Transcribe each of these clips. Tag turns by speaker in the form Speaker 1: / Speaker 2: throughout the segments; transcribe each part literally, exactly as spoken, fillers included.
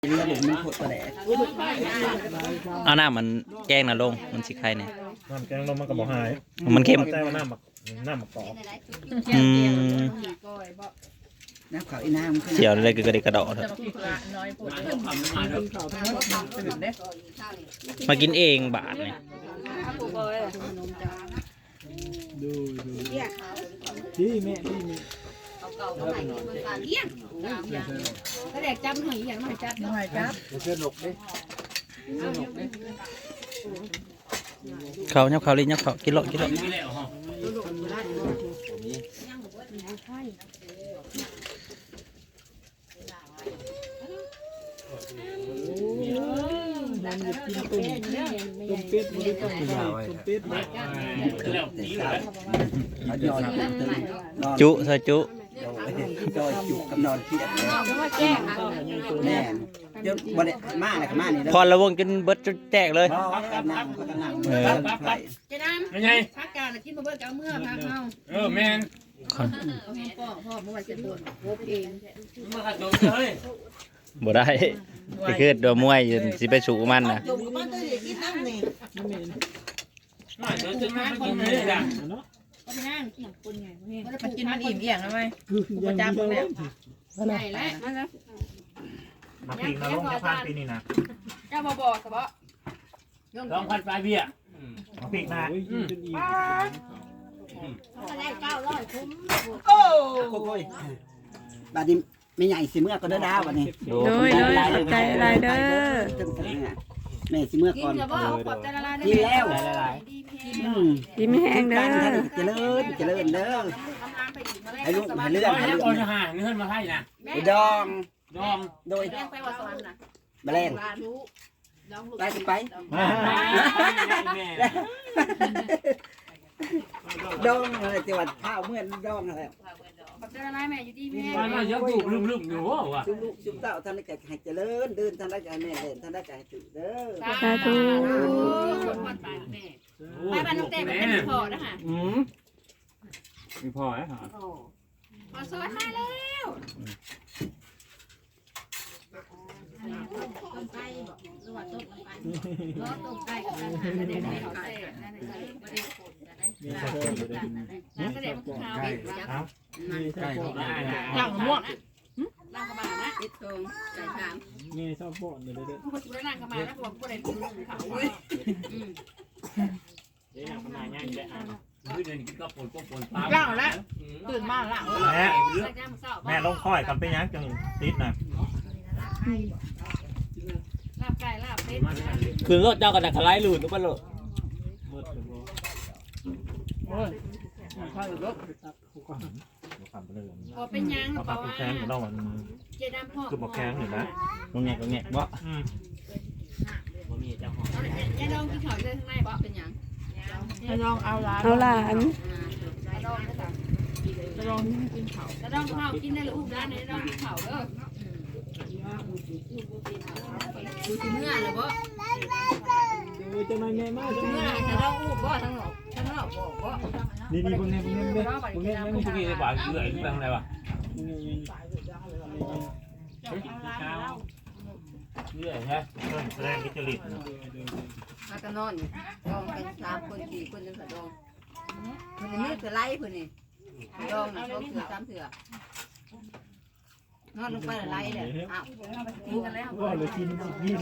Speaker 1: ระบบมันโคตรแดด
Speaker 2: เอาน้ามันแกงน่ะลงมันสิใครเนี่ย
Speaker 3: น้ำแกงลงมันก็บ่หาย
Speaker 2: มันเค็ม
Speaker 3: ใจว่าน้ำหมักน้ำหมักกอก
Speaker 2: อืม
Speaker 1: น้ำขาวอีน้ำ
Speaker 2: เสียวอะไรก็กระดิกกระดอกมากินเองบาทเนี่ย
Speaker 4: ดูดูที่แม่ที่มี
Speaker 5: ถ้าเด็กจับหอยอย่างไม่จับหอยจับ
Speaker 4: เพื่อนหลกดิ
Speaker 2: เขาเนี่ยเขาลิ้นเนี่ยเขากินโลกินโล
Speaker 4: มันจะกินตุ่มตุ่มเป็ดมันต้องตุ่มตุ่มเป็ด
Speaker 2: จุใส่จุ
Speaker 1: จอยจุกับนอนเพียดแน่เดี๋ยวบริมาอะไรกับมานี่
Speaker 2: พอระวงจนเบิดจนแตกเลย
Speaker 1: น้ำก็น้ำ
Speaker 5: เจ้าน้ำ
Speaker 3: เป็นไง
Speaker 5: พักการกินมาเบิดกับเมื่อพักเอา
Speaker 3: เออแมน
Speaker 5: พ่อพ่อเมื่อวันจะโดนโบกเอง
Speaker 3: มาขัดโดนเลย
Speaker 2: บ่ได้ก็คือตัวมวยสิไปสู่มันนะ
Speaker 5: จุ่มกับบ้านตัวเด็กกินน้ำนี่
Speaker 3: น่าเดี๋ยวจะมากินเลยจ้ะ
Speaker 5: ก็ไปนั่งกินคนไง
Speaker 6: มันกินมันอิ่มเอี่ยงทำไม
Speaker 4: ประจำเลย
Speaker 5: ใหญ่แล้วมาแล้ว
Speaker 3: มาปีนลงจะพานปีนี้นะ
Speaker 5: เจ้าบ่บอกสบะ
Speaker 3: ลองพันปลายเบี้ยมาปีกนะ
Speaker 5: ได้เก้าร้อยคุ้ม
Speaker 1: โอ้โหบาดนี้ไม่ใหญ่สิเมื่อก็ได้ดาววันนี้
Speaker 6: โดยโดยใจไรเด้อ
Speaker 1: แม่สิเมื่อก่อน
Speaker 5: กินกับว่าขอบใจละลายได้
Speaker 1: กินแล้ว
Speaker 6: ยิ้มแห้งเด้อ
Speaker 1: เจริญเจริญเด้อให้ลูกให้เลื่อนให้
Speaker 3: ให้
Speaker 1: เลื่
Speaker 3: ก่
Speaker 1: อ
Speaker 3: อน
Speaker 1: น
Speaker 3: จะหาเงินมาให้นะ
Speaker 1: ไปดอง
Speaker 3: ดอง
Speaker 1: โดย
Speaker 5: แรงไปว่าสวรรค์นะ
Speaker 1: แมลงไปสิไปดองอะไรจังหวัดข้าวเมื่อนดองอะไร
Speaker 5: ขอบใจละลายแม่อยู่ที่แม่
Speaker 3: มันมาเยอะถูกลืมลืมอยู่ว่ะ
Speaker 1: ชุบลูกชุบเต้าท่านได้ให้เจริญเดินท่านได้ให้แม่เดินท่านได้ให้ตื่นเด้อ
Speaker 6: สาธุ
Speaker 5: ไปบ้านน้องเต้ไปเป็นพ่อนะฮะ
Speaker 3: อืมมีพอไหมฮะ
Speaker 5: พอสวัสดีแล้วต้มไก่บอกหรือว่าต้มไก่ล้อต้มไก่กับการหาเด็กๆเขาเต้นั่นเลยไม่ได้ผลนะนั่นก็เด็กมันขาวอีกจ้ะ
Speaker 4: ไก่
Speaker 5: หลังม่วงล่างกระบานะติดทงใจถาม
Speaker 4: นี่ชอบบ่นเลยเด้อ
Speaker 5: ผู้ช่วยล่างกระบานะผมผู้ใดผู้เขาเว้ย
Speaker 3: เดี๋ยวมันง่ายๆได้อ่ะเดินกินก็ปนก็ปนปลา
Speaker 5: ล่างแล้วตื่นมาล่าง
Speaker 3: แม่แม่ลงค่อยกันไปยังจังติดนะ
Speaker 5: ลาบไก่ลาบเป็ด
Speaker 2: คือรถเจ้ากันนะคล้ายหลุดหรือเปล่า
Speaker 5: พอเป็นยัง
Speaker 3: เอาปากแข็งของเรามัน
Speaker 5: เจดำพ่อ
Speaker 3: คือบอกแข็งเห็นไหม
Speaker 2: ตรงเนี้ยตรงเนี้ยบ่
Speaker 5: ยาดองกินข้าวเลยข้างในบ่เป็นยัง
Speaker 6: จะลองเอาหลานเอาหลาน
Speaker 5: ยาดองนะคะยาดองกินข้าวยาดองข้าวกินได้ลูกร้านไหนดองกินข้าวเด้อดูสิเมื่อเลยบ่
Speaker 4: ดูจะมาไงมาก
Speaker 5: เมื่อจะดองอูบบ่ทั้งหมดทั้งหมดบ่บ่
Speaker 4: นี่นี่พวกนี้พวกนี้เนี่ยพวกนี้ยัง
Speaker 3: พวกนี้จะปากเกลือหรืออะไรวะเรื่อยใช่เริ่มแสดงกิจลิต
Speaker 5: มากันนอนดองกันสามคนสี่คนนึงก็ดองคนนี้คือไล่คนนี้ดองนะดองเถื่อสามเถื่อนอนลงไปไล่เลยอ้าวกินกันแล้ว
Speaker 4: ว่าเลยกินกิน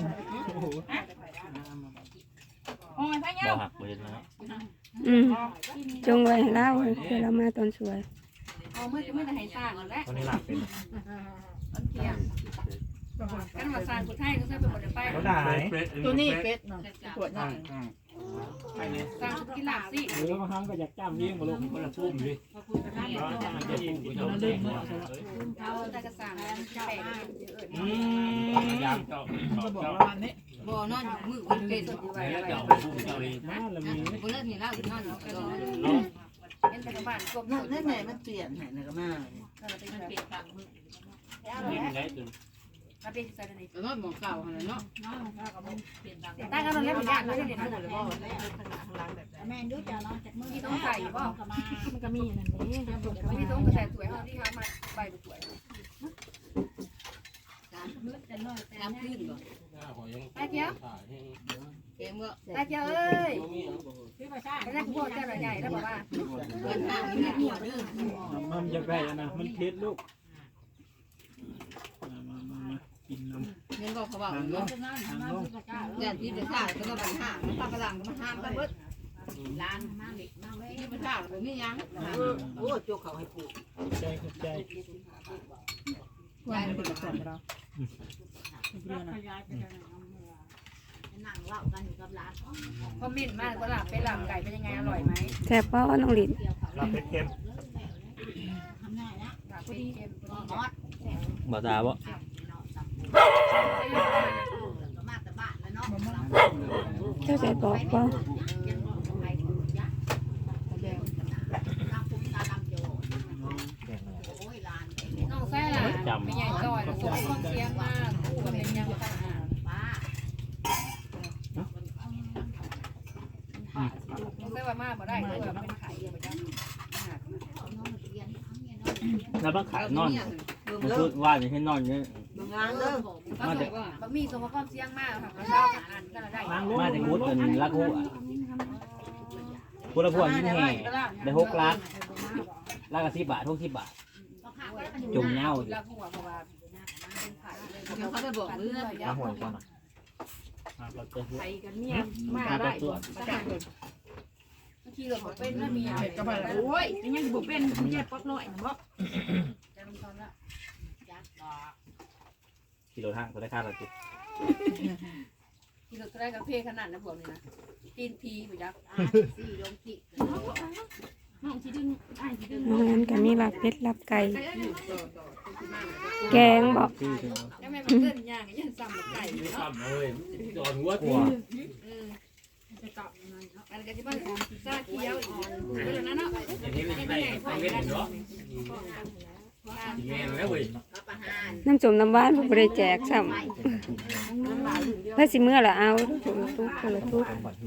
Speaker 5: โอ้ยพะเยา
Speaker 2: บ่หักบ่เห็นนะ
Speaker 6: อืมจงไว้ให้เล่าเดี๋ยวเรามาตอนสวย
Speaker 5: เอาเมื่อจะไม่ได้ให้สร้างแล้ว
Speaker 3: ตอนนี้หลับเป็น
Speaker 5: ตอนเที่ยงกันมาสร้างคนไทยก็ใช้เป็นคนไป
Speaker 3: ก็ได้
Speaker 6: ตัวนี้เป็ดเนาะปวดหน่อย
Speaker 5: สร้างชุดกีฬาสิ
Speaker 4: หรือบางครั้งก็อยากจ้ำเลี้ยงมาลง
Speaker 3: คนละพุ่มดิ
Speaker 5: เอาแต่กระสังแปะ
Speaker 3: อืมยามเจ้า
Speaker 6: จะบอกว่าวันนี้
Speaker 5: บ่อนอนอยู่มือวันเป็นอยู่ไว้
Speaker 3: แล้ว
Speaker 5: ไว้
Speaker 3: เจ้าพุ่มเจ้าเอง
Speaker 4: มาแล้วมี
Speaker 5: บ่เลิกนี่แล้วนอนอยู่กระโดดเห็นแต่กับบ้านกบ
Speaker 1: นั่นแหละมันเปลี่ยนให้นะก็มา
Speaker 5: มันเป็นเปลี่ยนต่างมือ
Speaker 3: นี่มันได้จน
Speaker 5: มาเป็นใส่นี่
Speaker 6: นอนหมองเก่าขนาดเนาะ
Speaker 5: ตากันแล้วมันยากเลยเห็นมือเลยบ่
Speaker 7: แม่ดูจะนอนจากมือ
Speaker 5: ที่ต้องใส่บ่
Speaker 7: มันก็มีนั่นนี่
Speaker 5: ที่ต้องกระแสสวยเฮาที่เฮามาใบสวย
Speaker 7: จะ
Speaker 5: น้ำขึ้นบ่ตาเจ้าเก่งบ่ตาเจ้าเอ้ยก็ได้พูดเจ้าใหญ่แล้วบอกว่าเงินทางนี้หัวดื้อ
Speaker 4: มันอยากได้นะมันเผ็ดลูกมามามากินน้ำ
Speaker 5: เงินก็เขาบอก
Speaker 4: ทางลงทางลง
Speaker 5: เงินที่จะขาดก็ต้องห้ามมันพลังมันห้ามกันเบิดร้านมาเล็กมาไว้ที่มันขาดแบบนี้ยังโอ้โจกเขาให้ปลูก
Speaker 4: ใจขอบใจ
Speaker 5: ยายเป็นกระสอบเรานั่งเล่ากันอยู่กับร้านคอมเมนต์มากว่าหลับไปหลับไก่เป็นยังไงอร่อยไหม
Speaker 6: แซ่บบ่น้องลิ้น
Speaker 3: ลาบเค็ม
Speaker 5: หลับไปเค็มมอด
Speaker 2: บ่ตาบ่
Speaker 5: มาแต่บ้านแล้วเนาะ
Speaker 6: เจ้าใจบอกบ่
Speaker 5: น้องแซ่ไม่ใหญ่จอยส่งความเสียงมากคู่กับเป็นยังไงป้าน้องแซ่ว่ามากบ่ได้ด้วยเป็นไข่เดียวไปจ้ะ
Speaker 2: แล้วบังขายนอนมันคือว่าจะให้นอนเนี่ย
Speaker 5: งานเด้อมาจากบะหมี่ส่งความเสียงมากค่ะเช้าอ่านก็ได้
Speaker 2: มาจากมุดเป็นลักหัวพุทธพวงยิ่งแห่ได้หกล้านล้านละสิบบาทหกสิบบาทจุ่มเน่าอยู่
Speaker 5: แล้วหัวเพราะว่าเขาจะบอกเรื่อง
Speaker 3: ๆมาหวยก่อนนะ
Speaker 2: มาเราเจอ
Speaker 7: ไปกันเนี่ยมาได้ประกาศเลย
Speaker 5: ขี่รถเป็นแล้วมีอะไร
Speaker 7: ก็ไปโอ้ยยังยังบุเป็นไม่ใช่ป๊อกน้อยนะบ่
Speaker 2: กิโลทางตัวได้ค่าเราจิ
Speaker 5: ขี่รถก็ได้กับเพขนาดนะพวกนี้นะตีนพีไปยักสี่ลงขีด
Speaker 7: น้องที่ดึงไอ้ที่ดึง
Speaker 6: น้องนั้นก็มีลาบเป็ดลาบไก่แกงบ่
Speaker 5: แล้วแม่มันเกินย่างยันซ้ำไก่เนาะ
Speaker 2: จอดหัวตัว
Speaker 5: จะกลับอันก็จะบ้านซาเขียวอีกเรื่องนั้นเนาะ
Speaker 2: อย่างนี้ไม่ได้ไม่เล่นเนาะแม่แล้วเว้ย
Speaker 6: น้ำจมน้ำหวานบ่ได้แจกซ้ำเพื่อสิเมื่อละเอาทุกทุกคนละทุก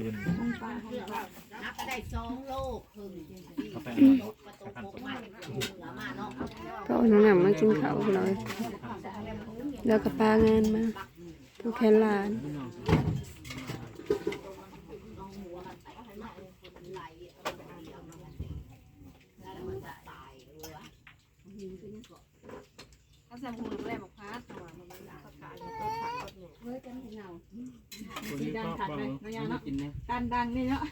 Speaker 5: นับก็ได้สองโลครึ่งประตูโค้งมามาเนาะ
Speaker 6: ก็เอาน้ำมากินข้าวหน่อยแล้วก็ปลางานมาทุกแค่ลาน
Speaker 5: เขาแซมหูแรกบอกพาตัวมันมันขาดขาดตัวขาดตัวเฮ้ยจะไม่เงา
Speaker 7: สีดังขัดเลยน้องยาเนาะการดังนี่เนาะ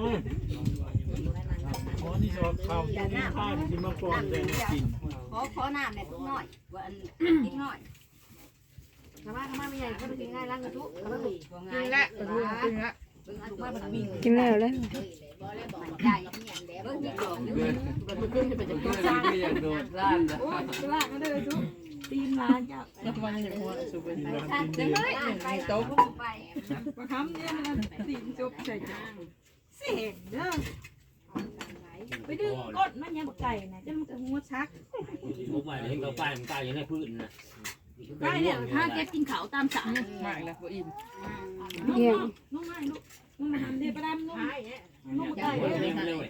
Speaker 4: อ๋อนี่ชอบข้าวกินข้าวกินมาก่อนแต่กิน
Speaker 5: ขอขอน้ำเนี่ยตุ้งน้อยว่าอันนิดน้อยทำไมทำไมไม่ใหญ่ก็ไปกินง่ายร้านกระทุกทำไมกินละกินละมาแบบมี
Speaker 6: กินแล้วเลย
Speaker 5: บ่เลยบอกได้เนี่ยเดี๋ยวเดี๋ยวเดี๋ยวมันขึ้นจะเป็นจะกินซ่า
Speaker 2: โดดร้านนะ
Speaker 7: โอ้ยจะว่ากันเลยทุกตีนร้านเจ้า
Speaker 4: กินร้านกินเบียร์
Speaker 5: ไปโต๊ะไป
Speaker 7: ประคำเนี่ยมันตีนจบใส่จานเสียงเด้อไปดึงก้นมันยังไก่นะจะมันจะหัวชัก
Speaker 2: ผมไปเห็นเขาป้ายมันป้ายอยู่ในพื้นนะ
Speaker 7: ได้เนี่ยถ้าเก็บกินเขาตามสั่ง
Speaker 5: ไม่ละบ่อิ่ม
Speaker 7: ลูกลูกง่ายลูกลูกมาทำเดี๋ยวประดามลูกลูกไก่
Speaker 2: เล่นเลย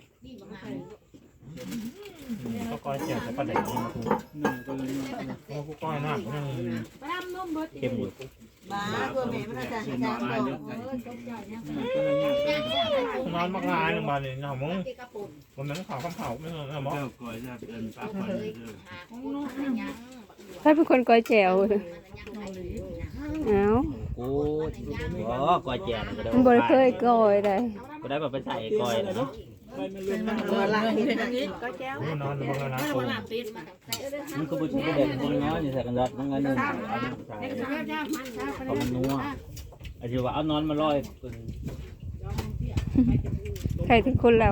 Speaker 3: ก็ก้อยเจียวจะประเด็นนี้มาถูก
Speaker 4: หนึ่งก็เลย
Speaker 3: เพราะผู้ก้อยหน้ายัง
Speaker 7: ประดามนมเบิด
Speaker 2: เข้มอยู่
Speaker 5: บ้าตัวแม่มันจะให้น้ำดอก
Speaker 3: นอนมากงานมาเนี่ยหน้ามึงผมนั่งข่าวคำเผาไม่เหรอหมอ
Speaker 6: ถ้าเป็นคนก้อยแจวเอา
Speaker 2: กูอ๋อก้อยแจกก็ได้
Speaker 6: มันบ่ได้เคยก้อยได้
Speaker 2: ก็ได้แบบไปใส่ก้อยเนาะ
Speaker 4: ไปมันเลยมัน
Speaker 5: ตัวละเห็นอย่างนี้ก็แก้วน
Speaker 3: อนบางนะกู
Speaker 2: มันก็บุญก็เด็กมันน้อยอยู่ใส่กันรถมันเงินใส่เพราะมันนัวอาจจะว่าเอานอนมาลอย
Speaker 6: ใครทุกคนแล้ว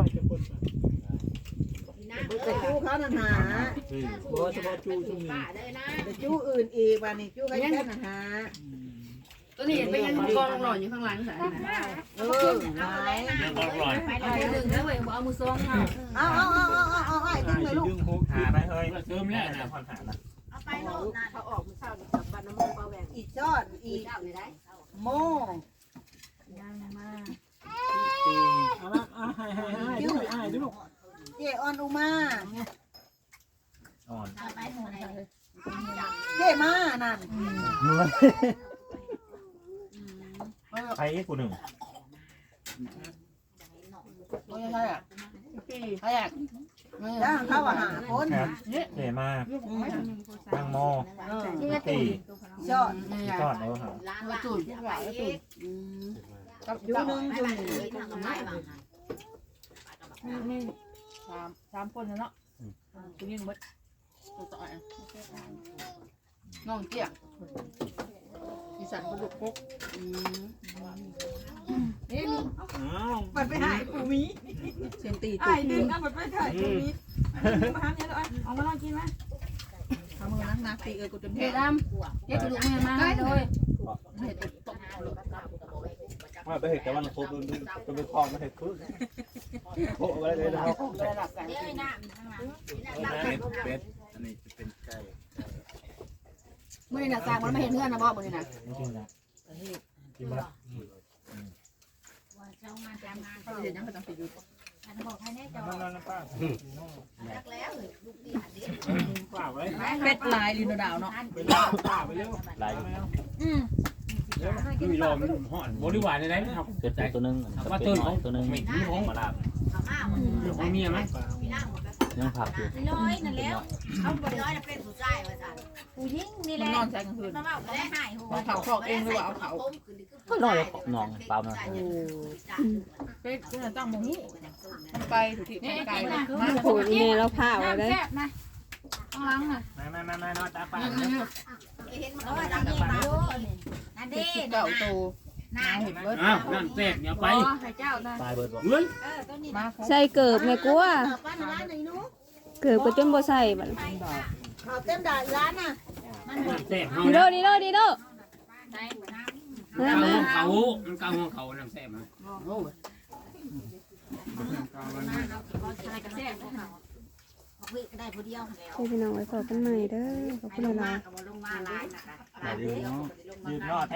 Speaker 8: แต่จู้เขานั่นหา
Speaker 4: เพราะเฉพาะจู้ช่วงนี้
Speaker 8: แต่จู้อื่นอีกวันนี้จู้เขาแค่นั่นหา
Speaker 5: ตัวนี้ไปยังกองหล่อนอยู่ข้างหลังใส่
Speaker 8: เออหาย
Speaker 3: ยังก็ลอย
Speaker 5: เอาหนึ่งแล้วเว้ยเอามือซองเอา
Speaker 8: เอาเอาเอาเอาเอาเอาไอ้ดึงเลยลูก
Speaker 4: ดึงหก
Speaker 3: หาไปเฮ้ยเติมแล้วนะผ่อนหาละ
Speaker 5: เอาไปโลดนะเขาออกมือเช้ากับบ้านน้ำมันเปล่าแหวน
Speaker 8: อีจอดอี
Speaker 5: เจ้าเลยได้
Speaker 8: โม
Speaker 4: เอาละอ่ะให้ให้ให้ดูให้ดู
Speaker 8: เจออนอุมา
Speaker 3: อ่อน
Speaker 5: เอาไปหมดเลย
Speaker 8: เเท่มานั่น
Speaker 3: ใครกูหนึ่ง
Speaker 5: ไม่ใช่อ่ะใช่อ่ะ
Speaker 8: จ้างเขาว่าหาคน
Speaker 3: ครับเท่มากตั้งหม้อตี
Speaker 8: ยอด
Speaker 3: ทอดเอาหา
Speaker 5: มาจุดว่าจุด
Speaker 8: จูนึงจูนึง
Speaker 5: นี่สามสามคนเนาะคุณยิงมดตัวต่อยน้องเจี๊ยบอีสันกระดูกปุ๊กนี่
Speaker 8: มันไปหายกูมี
Speaker 5: เสียงตี
Speaker 7: ไอ้ดึงเอาไปถ่ายตรงนี้มาหาเนี่ยเลยเอามาลองกินไหม
Speaker 8: ทำมือนักนักตีเออกูจน
Speaker 5: เฮ็
Speaker 8: เท่
Speaker 5: ดดำเฮ็ดกระดูกแม่มาให้เลยเฮ็ดตก
Speaker 2: ว่าไปเห็ดแต่ว่าโคตรจะไปคลองมาเห็ดคือโคตรอะไรเลยนะครับ
Speaker 5: ระดับการ
Speaker 2: เป็ดอันนี้จะเป็นไก่
Speaker 5: เมื่อนี่น่ะสร้างมันไม่เห็นเงื่อนนะบ่มื้อนี่น่ะ
Speaker 3: จริงๆนะกินมา
Speaker 5: เขาเห็นยังก็ต้องไปอยู่
Speaker 3: นั่นนั่นป้าป้าไว้
Speaker 5: เป็ดลายลินดาวเนาะ
Speaker 3: ไปเล่าป้าไปเร็ว
Speaker 2: ลาย
Speaker 5: อืม
Speaker 3: คือรอมันห่อนบริวารในไหนครับ
Speaker 2: เกิดตัวนึงว่าตื่นของตัวนึงไม่มีของมาลาบ
Speaker 3: ของเมียไหม
Speaker 2: ยังผักอยู่
Speaker 7: ร้อยนั่นแล้วเอาไปร้อยแล้วเป็นผู้ชายว่าจ้ะผู้หญิงนี่แห
Speaker 5: มัน
Speaker 7: ละ
Speaker 5: นอนใส่กลางคืน
Speaker 7: มาเมาก็ได้หายหัว
Speaker 5: เอาเขาคอกเองหรือว่าเอาเขา
Speaker 2: ก็นอนนอนเปล่านะ
Speaker 5: เป็ดคือตั้งบ่ฮู้มันไปถูกที่มันไกลนะ
Speaker 6: โหแม่เราพาเอาเลย
Speaker 7: แซ่บนะต้องล้างน่ะ
Speaker 3: มามามามาตาป้า
Speaker 7: เห็นมันว่าจังนี้มาดูนั่น
Speaker 5: เป็
Speaker 7: ดิ
Speaker 5: ดเก่าโตมาเห็นเบิด
Speaker 3: อ้าวนั่นเสกเนี่ยไป
Speaker 7: ให้เจ้านะ
Speaker 2: ตายเบิดบอก
Speaker 3: เฮ้ย
Speaker 7: เออตัวนี้
Speaker 5: มา
Speaker 6: ใส่เกิบแม่กลัว
Speaker 8: ป้าในร้านไหนนู้
Speaker 6: เกิบก็จนบ่ใส่บัด
Speaker 8: เขาเต็มด่านร้านน่ะ
Speaker 3: เสกเขา
Speaker 6: ดีโดดีโดดีโดมามา
Speaker 3: เขามันกลางหัวเขาน้ำแซ่บมั้ย
Speaker 5: โอ้ย
Speaker 7: อะไรก็แซ่บของเขาได้ผู้เดียวแล้ว
Speaker 6: ให้พี่น้องไว้ขอกันใหม่เด้อขอบคุณหลายๆ
Speaker 7: เอาลงมาหลายนะคะ
Speaker 2: ตายดีเนาะ
Speaker 3: ยืนรอด